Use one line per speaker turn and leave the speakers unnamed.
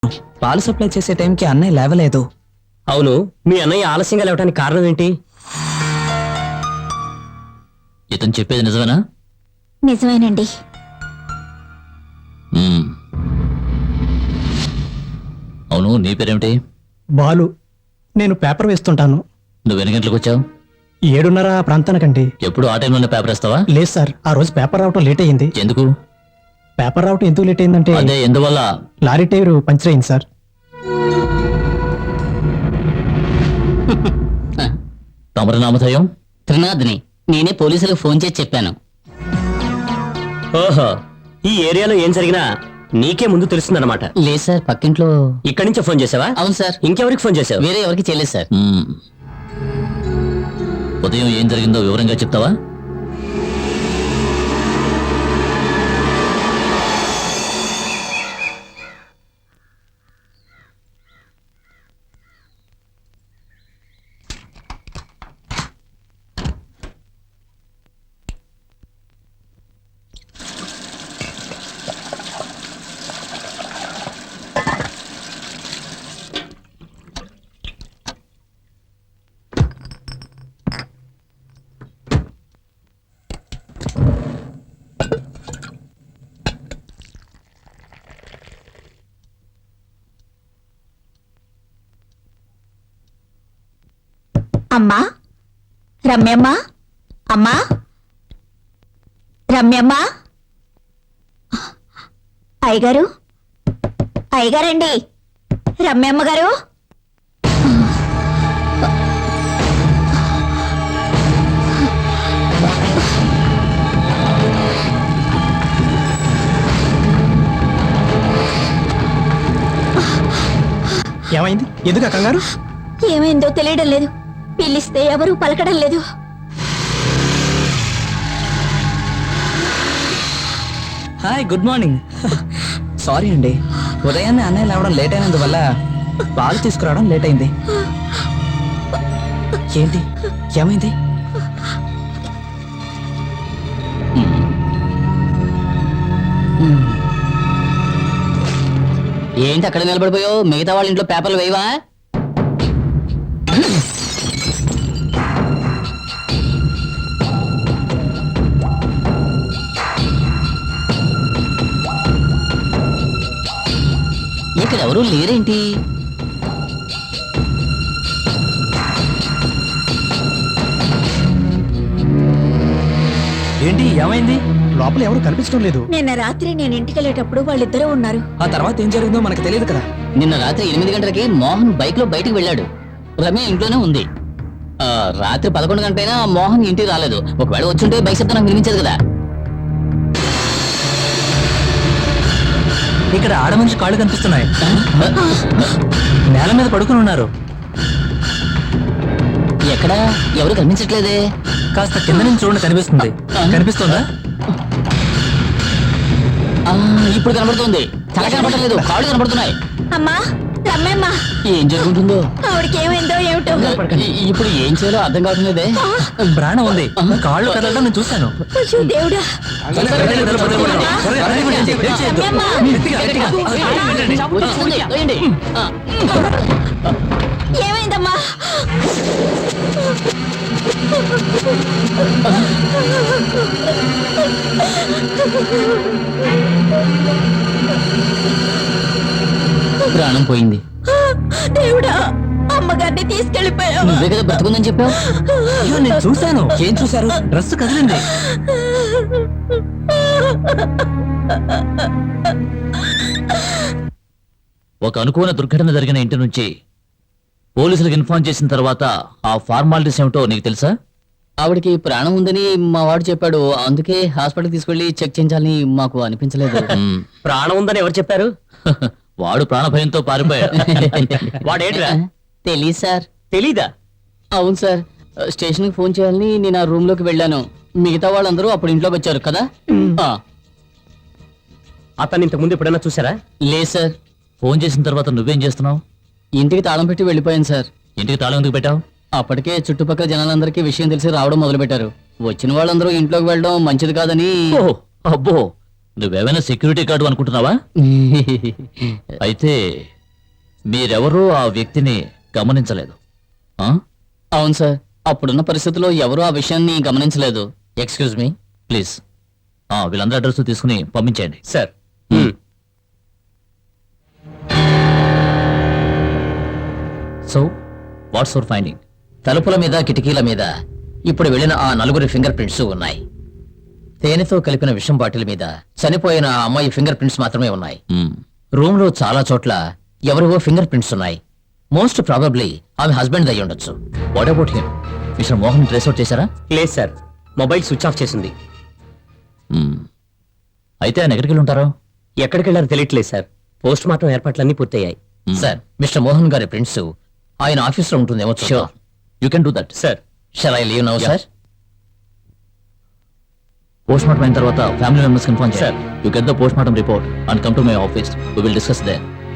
పాలు సప్లై చేసే టైంకి అన్నయ్య లేవలేదు.
అవును, మీ అన్నయ్య ఆలస్యంగా లేవటానికి కారణం ఏంటి?
ఇతను చెప్పేది నిజమేనా?
నిజమేనండి.
అవును, నీ పేరేమిటి?
బాలు. నేను పేపర్ వేస్తుంటాను.
నువ్వు ఎన్ని గంటలకు వచ్చావు?
7:30 ప్రాంతానికండి.
ఎప్పుడు ఆ టైంలోనే పేపర్ వేస్తావా?
లేదు సార్, ఆ రోజు పేపర్ రావటం లేట్ అయ్యింది.
ఎందుకు?
పేపర్ రావటం ఎందుకు లేట్ అయిందంటే
అదే ఎందువల్ల?
లారీ టైర్ పంచర్ అయింది సార్.
తమరి నామధేయం?
త్రినాథ్ని. నేనే పోలీసులకు ఫోన్ చేసి చెప్పాను.
ఓహో, ఈ ఏరియాలో ఏం జరిగినా నీకే ముందు తెలుస్తుందన్నమాట.
లేదు సార్, పక్కింట్లో.
ఇక్కడి నుంచే ఫోన్ చేసావా?
అవును సార్.
ఇంకెవరికి ఫోన్ చేసావు?
వేరే ఎవరికి చేయలేదు సార్.
ఉదయం ఏం జరిగిందో వివరంగా చెప్తావా?
అమ్మా, రమ్యమ్మ, అమ్మా, రమ్యమ్మ, అయ్యగారు, అయ్యగారండి, రమ్యమ్మ గారు.
ఏమైంది? ఎందుకు ఆ కంగారు?
ఏమైందో తెలియడం లేదు. పిలిస్తే ఎవరూ పలకడం లేదు.
Hi, good morning. సారీ అండి, ఉదయాన్నే అన్నయ్య లేవడం లేట్ అయినందువల్ల పాలు తీసుకురావడం లేట్ అయింది. ఏంటి, ఏమైంది?
ఏంటి అక్కడ నిలబడిపోయావు? మిగతా వాళ్ళ ఇంట్లో పేపర్లు వేయవా? ఇక్కడ ఎవరూ లేరేంటి?
ఏంటి, ఏమైంది?
లోపల ఎవరు కనిపించడం లేదు.
నిన్న రాత్రి నేను ఇంటికి వెళ్ళేటప్పుడు వాళ్ళిద్దరూ ఉన్నారు.
ఆ తర్వాత ఏం జరిగిందో మనకు తెలియదు కదా.
నిన్న రాత్రి 8 గంటలకి మోహన్ బైక్ లో బయటకు వెళ్ళాడు. రమ్య ఇంట్లోనే ఉంది. రాత్రి 11 గంటలైనా మోహన్ ఇంటికి రాలేదు. ఒకవేళ వచ్చుంటే బైక్ శబ్దం నాకు వినిపించదు కదా.
ఇక్కడ ఆడ మనిషి కాళ్ళు కనిపిస్తున్నాయి. నేల మీద పడుకుని ఉన్నారు.
ఎక్కడా ఎవరు కనిపించట్లేదే.
కాస్త కింద నుంచి చూడండి, కనిపిస్తుంది. కనిపిస్తుందా?
ఇప్పుడు కనబడుతుంది. తల కనబడలేదు, కాళ్ళు కనబడుతున్నాయి.
అమ్మా, రమ్యమ్మ,
ఏం జరుగుతుందో.
ఆవిడకి ఏమైందో ఏమిటో.
ఇప్పుడు ఏం చేయాలో అర్థం కావట్లేదే.
ప్రాణం ఉంది, కాళ్ళు కదలడం నేను చూశాను.
అయ్యో దేవుడా. రమ్యమ్మ,
వచ్చేసింది, తోయండి.
ఏమైందమ్మా?
ప్రాణం పోయింది.
దేవుడా, అమ్మగారిని తీసుకెళ్లిపోయావు.
నువ్వే కదా బ్రతుకుందని చెప్పావు.
అయ్యో, నేను చూశాను. ఏం చూశారు? డ్రెస్ కదిలింది.
ఒక అనుకోని దుర్ఘటన జరిగిన ఇంటి నుంచి పోలీసులకు ఇన్ఫార్మ్ చేసిన తర్వాత ఆ ఫార్మాలిటీస్ ఏమిటో నీకు తెలుసా?
ఆవిడకి ప్రాణం ఉందని మా వాడు చెప్పాడు. అందుకే హాస్పిటల్ తీసుకెళ్లి చెక్ చేయించాలని మాకు అనిపించలేదు.
ప్రాణం ఉందని ఎవరు చెప్పారు?
వాడు ప్రాణభయంతో పారిపోయాడు.
వాడేంట్రా?
తెలీదు సార్.
తెలీదా?
అవును సార్, స్టేషన్ కి ఫోన్ చేయాలని నేను ఆ రూమ్ లోకి వెళ్ళాను. మిగతా వాళ్ళందరూ అప్పుడు ఇంట్లోకి వచ్చారు కదా.
అతన్ని ఇంతకు ముందు ఎప్పుడైనా చూసారా?
లేదు సార్.
ఫోన్ చేసిన తర్వాత నువ్వేం చేస్తున్నావు?
ఇంటికి తాళం పెట్టి వెళ్ళిపోయాను సార్.
ఇంటికి తాళం ఎందుకు పెట్టావు?
అప్పటికే చుట్టుపక్కల జనాలందరికీ విషయం తెలిసి రావడం మొదలు పెట్టారు. వచ్చిన వాళ్ళందరూ ఇంట్లోకి వెళ్ళడం మంచిది కాదని.
అబ్బో, నువ్వేమైనా సెక్యూరిటీ గార్డు అనుకుంటున్నావా? అయితే మీరెవరూ ఆ వ్యక్తిని గమనించలేదు. ఆ?
అవును సార్, అప్పుడున్న పరిస్థితుల్లో ఎవరూ ఆ విషయాన్ని గమనించలేదు.
Excuse me please. వీళ్ళందరూ అడ్రస్ తీసుకుని పంపించేయండి.
Sir
so what's your finding?
తలుపుల మీద కిటికీల మీద ఇప్పుడు వెళ్ళిన ఆ 4 ఫింగర్ ప్రింట్స్ ఉన్నాయి. తేనెతో కలిపిన విషం బాటిల్ మీద చనిపోయిన ఆ అమ్మాయి ఫింగర్ ప్రింట్స్ మాత్రమే ఉన్నాయి. రూమ్ లో చాలా చోట్ల ఎవరివో ఫింగర్ ప్రింట్స్ ఉన్నాయి. మోస్ట్ ప్రాబబ్లీ ఆమె హస్బెండ్ అయి ఉండొచ్చు.
What about him? Mister Mohan trace out చేశారా?
లేదు సార్, మొబైల్ స్విచ్ ఆఫ్ చేసింది.
అయితే ఆయన ఎక్కడికి వెళ్ళి ఉంటారో?
ఎక్కడికి వెళ్ళారో తెలియట్లేదు సార్. పోస్ట్ మార్టం ఏర్పాట్లన్నీ పూర్తయ్యాయి.
సార్, మిస్టర్ మోహన్ గారి ప్రింట్స్ ఆయన ఆఫీస్ లో ఉంటుందేమో.
Sure, you can do that.
Sir
shall I leave now sir?
Post mortem అయిన తర్వాత ఫ్యామిలీ మెంబర్స్ ఇన్ఫార్మ్
Sir.
చేయాలి. You get the post mortem report and come to my office. We will discuss there.